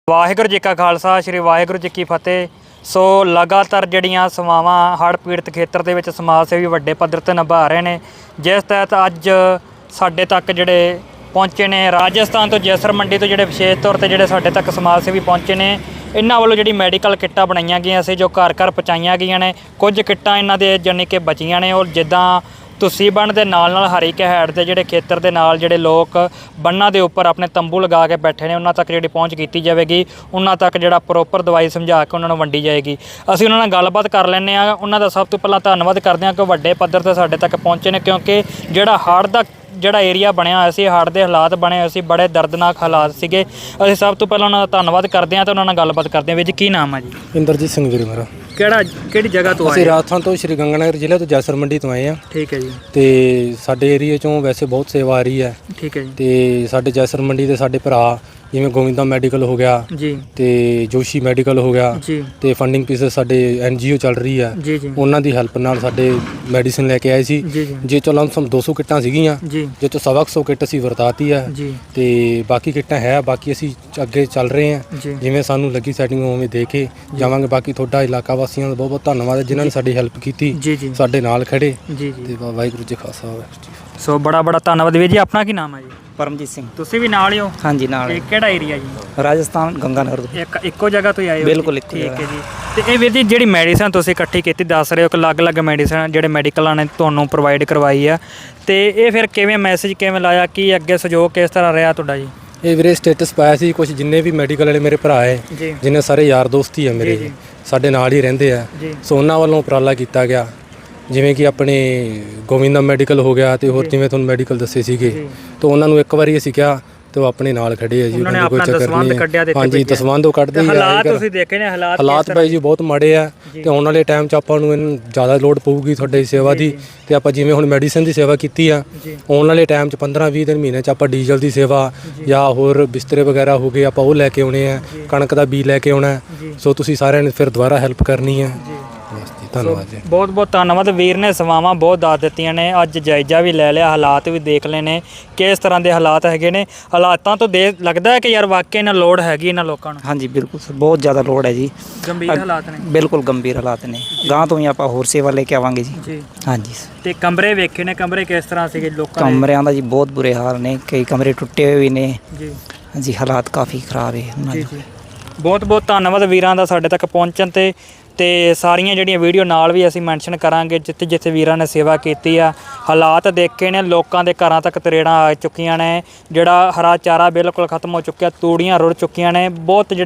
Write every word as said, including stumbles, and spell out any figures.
ਵਾਹਿਗੁਰੂ ਜੀ ਕਾ ਖਾਲਸਾ ਸ਼੍ਰੀ ਵਾਹਿਗੁਰੂ ਜੀ ਕੀ ਫਤਿਹ। ਸੋ ਲਗਾਤਾਰ ਜਿਹੜੀਆਂ ਸੇਵਾਵਾਂ ਹੜ੍ਹ ਪੀੜਤ ਖੇਤਰ ਦੇ ਵਿੱਚ ਸਮਾਜ ਸੇਵੀ ਵੱਡੇ ਪੱਧਰ 'ਤੇ ਨਿਭਾ ਰਹੇ ਨੇ, ਜਿਸ ਤਹਿਤ ਅੱਜ ਸਾਡੇ ਤੱਕ ਜਿਹੜੇ ਪਹੁੰਚੇ ਨੇ ਰਾਜਸਥਾਨ ਤੋਂ ਜੈਸਰ ਮੰਡੀ ਤੋਂ ਜਿਹੜੇ ਵਿਸ਼ੇਸ਼ ਤੌਰ 'ਤੇ ਜਿਹੜੇ ਸਾਡੇ ਤੱਕ ਸਮਾਜ ਸੇਵੀ ਪਹੁੰਚੇ ਨੇ, ਇਹਨਾਂ ਵੱਲੋਂ ਜਿਹੜੀ ਮੈਡੀਕਲ ਕਿੱਟਾਂ ਬਣਾਈਆਂ ਗਈਆਂ ਸੀ ਜੋ ਘਰ ਘਰ ਪਹੁੰਚਾਈਆਂ ਗਈਆਂ ਨੇ। ਕੁਝ ਕਿੱਟਾਂ ਇਹਨਾਂ ਦੇ ਜਾਣੀ ਕਿ ਬਚੀਆਂ ਨੇ, ਔਰ ਜਿੱਦਾਂ ਤੁਸੀਂ ਬੰਨ੍ਹ ਦੇ ਨਾਲ ਨਾਲ ਹਰੀ ਕਹੈੜ ਦੇ ਜਿਹੜੇ ਖੇਤਰ ਦੇ ਨਾਲ ਜਿਹੜੇ ਲੋਕ ਬੰਨਾਂ ਦੇ ਉੱਪਰ ਆਪਣੇ ਤੰਬੂ ਲਗਾ ਕੇ ਬੈਠੇ ਨੇ, ਉਹਨਾਂ ਤੱਕ ਜਿਹੜੀ ਪਹੁੰਚ ਕੀਤੀ ਜਾਵੇਗੀ, ਉਹਨਾਂ ਤੱਕ ਜਿਹੜਾ ਪ੍ਰੋਪਰ ਦਵਾਈ ਸਮਝਾ ਕੇ ਉਹਨਾਂ ਨੂੰ ਵੰਡੀ ਜਾਏਗੀ। ਅਸੀਂ ਉਹਨਾਂ ਨਾਲ ਗੱਲਬਾਤ ਕਰ ਲੈਂਦੇ ਹਾਂ। ਉਹਨਾਂ ਦਾ ਸਭ ਤੋਂ ਪਹਿਲਾਂ ਧੰਨਵਾਦ ਕਰਦੇ ਹਾਂ ਕਿ ਵੱਡੇ ਪੱਧਰ 'ਤੇ ਸਾਡੇ ਤੱਕ ਪਹੁੰਚੇ ਨੇ, ਕਿਉਂਕਿ ਜਿਹੜਾ ਹੜ੍ਹ ਦਾ ਜਿਹੜਾ ਏਰੀਆ ਬਣਿਆ ਹੋਇਆ ਸੀ, ਹੜ੍ਹ ਦੇ ਹਾਲਾਤ ਬਣੇ ਹੋਏ ਸੀ, ਬੜੇ ਦਰਦਨਾਕ ਹਾਲਾਤ ਸੀਗੇ। ਅਸੀਂ ਸਭ ਤੋਂ ਪਹਿਲਾਂ ਉਹਨਾਂ ਦਾ ਧੰਨਵਾਦ ਕਰਦੇ ਹਾਂ ਅਤੇ ਉਹਨਾਂ ਨਾਲ ਗੱਲਬਾਤ ਕਰਦੇ ਹਾਂ। ਵੀਰ ਜੀ ਕੀ ਨਾਮ ਹੈ ਜੀ? ਇੰਦਰਜੀਤ ਸਿੰਘ ਵੀਰੇ ਮੇਰਾ। ਕਿਹੜਾ ਕਿਹੜੀ ਜਗ੍ਹਾ ਤੋਂ ਆਏ? ਅਸੀਂ ਰਾਜਸਥਾਨ ਤੋਂ ਸ਼੍ਰੀ ਗੰਗਾਨਗਰ ਜ਼ਿਲ੍ਹੇ ਤੋਂ ਜੈਸਰ ਮੰਡੀ ਤੋਂ ਆਏ ਹਾਂ। ਠੀਕ ਹੈ ਜੀ। ਤੇ ਸਾਡੇ ਏਰੀਏ 'ਚੋਂ ਵੈਸੇ ਬਹੁਤ ਸੇਵਾ ਆ ਰਹੀ ਹੈ। ਠੀਕ ਹੈ ਜੀ। ਤੇ ਸਾਡੇ ਜੈਸਰ ਮੰਡੀ ਦੇ ਸਾਡੇ ਭਰਾ ਜਿਵੇਂ ਗੋਵਿੰਦਾ ਮੈਡੀਕਲ ਹੋ ਗਿਆ ਜੀ, ਤੇ ਜੋਸ਼ੀ ਮੈਡੀਕਲ ਹੋ ਗਿਆ ਜੀ, ਤੇ ਫੰਡਿੰਗ ਪੀਸਸ ਸਾਡੇ ਐਨ ਜੀ ਓ ਚੱਲ ਰਹੀ ਹੈ, ਜੀ ਜੀ, ਉਹਨਾਂ ਦੀ ਹੈਲਪ ਨਾਲ ਸਾਡੇ ਮੈਡੀਸਿਨ ਲੈ ਕੇ ਆਏ ਸੀ। ਜੀ ਜੀ, ਜੇ ਚੋਂ ਲਮਸਮ ਦੋ ਸੌ ਕਿੱਟਾਂ ਸੀਗੀਆਂ, ਜੀ, ਜੇ ਤੋਂ ਸਵਾ ਕੁ ਸੌ ਕਿੱਟ ਅਸੀਂ ਵਰਤਾਤੀ ਹੈ ਜੀ, ਤੇ ਬਾਕੀ ਕਿੱਟਾਂ ਹੈ। ਬਾਕੀ ਅਸੀਂ ਅੱਗੇ ਚੱਲ ਰਹੇ ਹਾਂ, ਜੀ, ਜਿਵੇਂ ਸਾਨੂੰ ਲੱਗੀ ਸੈਟਿੰਗ ਉਵੇਂ ਦੇ ਕੇ ਜਾਵਾਂਗੇ। ਬਾਕੀ ਤੁਹਾਡਾ ਇਲਾਕਾ ਵਾਸੀਆਂ ਦਾ ਬਹੁਤ ਬਹੁਤ ਧੰਨਵਾਦ ਹੈ ਜਿਨ੍ਹਾਂ ਨੇ ਸਾਡੀ ਹੈਲਪ ਕੀਤੀ, ਜੀ ਜੀ, ਸਾਡੇ ਨਾਲ ਖੜੇ। ਜੀ ਜੀ। ਤੇ ਵਾਹਿਗੁਰੂ ਜੀ ਖਾਲਸਾ ਵਾਹਿਗੁਰੂ ਜੀ। ਸੋ ਬੜਾ ਬੜਾ ਧੰਨਵਾਦ ਵੀਰ ਜੀ। ਆਪਣਾ ਕੀ ਨਾਮ ਹੈ ਜੀ? ਪਰਮਜੀਤ ਸਿੰਘ। ਤੁਸੀਂ ਵੀ ਨਾਲ ਹੀ ਹੋ? ਹਾਂਜੀ ਨਾਲ। ਤੇ ਕਿਹੜਾ ਏਰੀਆ ਜੀ? ਰਾਜਸਥਾਨ ਗੰਗਾਨਗਰ ਤੋਂ। ਇੱਕ ਇੱਕੋ ਜਗ੍ਹਾ ਤੋਂ ਹੀ ਆਏ ਹੋ? ਬਿਲਕੁਲ ਇੱਕੋ ਠੀਕ ਜਗ੍ਹਾ। ਹੈ ਜੀ। ਤੇ ਇਹ ਵੀਰ ਜੀ ਜਿਹੜੀ ਮੈਡੀਸਨ ਤੁਸੀਂ ਇਕੱਠੀ ਕੀਤੀ, ਦੱਸ ਰਹੇ ਹੋ ਕਿ ਅਲੱਗ-ਅਲੱਗ ਮੈਡੀਸਨ ਜਿਹੜੇ ਮੈਡੀਕਲਾਂ ਨੇ ਤੁਹਾਨੂੰ ਪ੍ਰੋਵਾਈਡ ਕਰਵਾਈ ਆ, ਤੇ ਇਹ ਫਿਰ ਕਿਵੇਂ ਮੈਸੇਜ ਕਿਵੇਂ ਲਾਇਆ, ਕੀ ਅੱਗੇ ਸਹਿਯੋਗ ਕਿਸ ਤਰ੍ਹਾਂ ਰਿਹਾ ਤੁਹਾਡਾ ਜੀ? ਇਹ ਵੀਰੇ ਸਟੇਟਸ ਪਾਇਆ ਸੀ ਕੁਝ, ਜਿੰਨੇ ਵੀ ਮੈਡੀਕਲ ਵਾਲੇ ਮੇਰੇ ਭਰਾ ਹੈ, ਜੀ, ਜਿੰਨੇ ਸਾਰੇ ਯਾਰ ਦੋਸਤ ਹੀ ਹੈ ਮੇਰੇ, ਜੀ, ਜੀ, ਸਾਡੇ ਨਾਲ ਹੀ ਰਹਿੰਦੇ ਆ। ਜੀ, ਸੋ ਉਹਨਾਂ ਵੱਲੋਂ ਉਪਰਾਲਾ ਕੀਤਾ ਗਿਆ, ਜਿਵੇਂ ਕਿ ਆਪਣੇ ਗੋਵਿੰਦਾ ਮੈਡੀਕਲ ਹੋ ਗਿਆ ਤੇ ਹੋਰ ਜਿਵੇਂ ਤੁਹਾਨੂੰ ਮੈਡੀਕਲ ਦੱਸੇ ਸੀਗੇ, ਜੀ। ਤਾਂ ਉਹਨਾਂ ਨੂੰ ਇੱਕ ਵਾਰੀ ਅਸੀਂ ਕਿਹਾ ਤੇ ਉਹ ਆਪਣੇ ਨਾਲ ਖੜੇ ਆ ਜੀ। ਉਹਨਾਂ ਨੇ ਉਹਨਾਂ ਦੀ ਆਪਣਾ ਕੋਈ ਚੱਕਰ ਦਸਵੰਧ ਨਹੀਂ ਕੱਢਿਆ ਤੇ ਹੈ। ਹਾਂਜੀ ਦਸਵੰਧ ਉਹ ਕੱਢਦੇ ਹੀ ਆ। ਹਾਲਾਤ ਤੁਸੀਂ ਦੇਖੇ ਨੇ, ਹਾਲਾਤ ਹਾਲਾਤ ਬਾਈ ਜੀ ਬਹੁਤ ਮਾੜੇ ਆ, ਤੇ ਆਉਣ ਵਾਲੇ ਟਾਈਮ 'ਚ ਆਪਾਂ ਨੂੰ ਇਹਨੂੰ ਜ਼ਿਆਦਾ ਲੋੜ ਪਊਗੀ ਤੁਹਾਡੀ ਸੇਵਾ ਦੀ। ਤੇ ਆਪਾਂ ਜਿਵੇਂ ਹੁਣ ਮੈਡੀਸਨ ਦੀ ਸੇਵਾ ਕੀਤੀ ਆ, ਆਉਣ ਵਾਲੇ ਟਾਈਮ 'ਚ ਪੰਦਰਾਂ ਵੀਹ ਦਿਨ ਮਹੀਨੇ 'ਚ ਆਪਾਂ ਡੀਜ਼ਲ ਦੀ ਸੇਵਾ ਜਾਂ ਹੋਰ ਬਿਸਤਰੇ ਵਗੈਰਾ ਹੋ ਗਏ, ਆਪਾਂ ਉਹ ਲੈ ਕੇ ਆਉਣੇ ਆ, ਕਣਕ ਦਾ ਬੀਜ ਲੈ ਕੇ ਆਉਣਾ। ਸੋ ਤੁਸੀਂ ਸਾਰਿਆਂ ਨੇ ਫਿਰ ਦੁਬਾਰਾ ਹੈਲਪ ਕਰਨੀ ਹੈ। ਧੰਨਵਾਦ ਜੀ। ਬਹੁਤ ਬਹੁਤ ਧੰਨਵਾਦ। ਵੀਰ ਨੇ ਸੇਵਾਵਾਂ ਬਹੁਤ ਦੱਸ ਦਿੱਤੀਆਂ ਨੇ, ਅੱਜ ਜਾਇਜ਼ਾ ਵੀ ਲੈ ਲਿਆ, ਹਾਲਾਤ ਵੀ ਦੇਖ ਲਏ ਨੇ ਕਿਸ ਤਰ੍ਹਾਂ ਦੇ ਹਾਲਾਤ ਹੈਗੇ ਨੇ। ਹਾਲਾਤਾਂ ਤੋਂ ਦੇ ਲੱਗਦਾ ਹੈ ਕਿ ਯਾਰ ਵਾਕਈ ਇਹਨਾਂ ਲੋੜ ਹੈਗੀ ਇਹਨਾਂ ਲੋਕਾਂ ਨੂੰ। ਹਾਂਜੀ ਬਿਲਕੁਲ ਸਰ, ਬਹੁਤ ਜ਼ਿਆਦਾ ਲੋੜ ਹੈ ਜੀ। ਗੰਭੀਰ ਹਾਲਾਤ ਨੇ। ਬਿਲਕੁਲ ਗੰਭੀਰ ਹਾਲਾਤ ਨੇ। ਗਾਂ ਤੋਂ ਹੀ ਆਪਾਂ ਹੋਰ ਸੇਵਾ ਲੈ ਕੇ ਆਵਾਂਗੇ ਜੀ। ਜੀ ਹਾਂਜੀ। ਤੇ ਕਮਰੇ ਵੇਖੇ ਨੇ, ਕਮਰੇ ਕਿਸ ਤਰ੍ਹਾਂ ਸੀਗੇ ਲੋਕਾਂ ਦੇ? ਕਮਰਿਆਂ ਦਾ ਜੀ ਬਹੁਤ ਬੁਰੇ ਹਾਲ ਨੇ, ਕਈ ਕਮਰੇ ਟੁੱਟੇ ਹੋਏ ਵੀ ਨੇ ਜੀ ਜੀ, ਹਾਲਾਤ ਕਾਫੀ ਖਰਾਬ ਹੈ ਉਹਨਾਂ ਜੀ ਦੇ। ਜੀ। ਬਹੁਤ ਬਹੁਤ ਧੰਨਵਾਦ ਵੀਰਾਂ ਦਾ ਸਾਡੇ ਤੱਕ ਪਹੁੰਚਣ ਤੇ ਤੇ ਸਾਰੀਆਂ ਜਿਹੜੀਆਂ ਵੀਡੀਓ ਨਾਲ ਵੀ ਅਸੀਂ ਮੈਂਸ਼ਨ ਕਰਾਂਗੇ ਜਿੱਥੇ ਜਿੱਥੇ ਵੀਰਾਂ ਨੇ ਸੇਵਾ ਕੀਤੀ ਆ। ਹਾਲਾਤ ਦੇਖੇ ਨੇ, ਲੋਕਾਂ ਦੇ ਘਰਾਂ ਤੱਕ ਤਰੇੜਾਂ ਆ ਚੁੱਕੀਆਂ ਨੇ, ਜਿਹੜਾ ਹਰਾ ਚਾਰਾ ਬਿਲਕੁਲ ਖਤਮ ਹੋ ਚੁੱਕਿਆ, ਤੂੜੀਆਂ ਰੁੜ ਚੁੱਕੀਆਂ ਨੇ। ਬਹੁਤ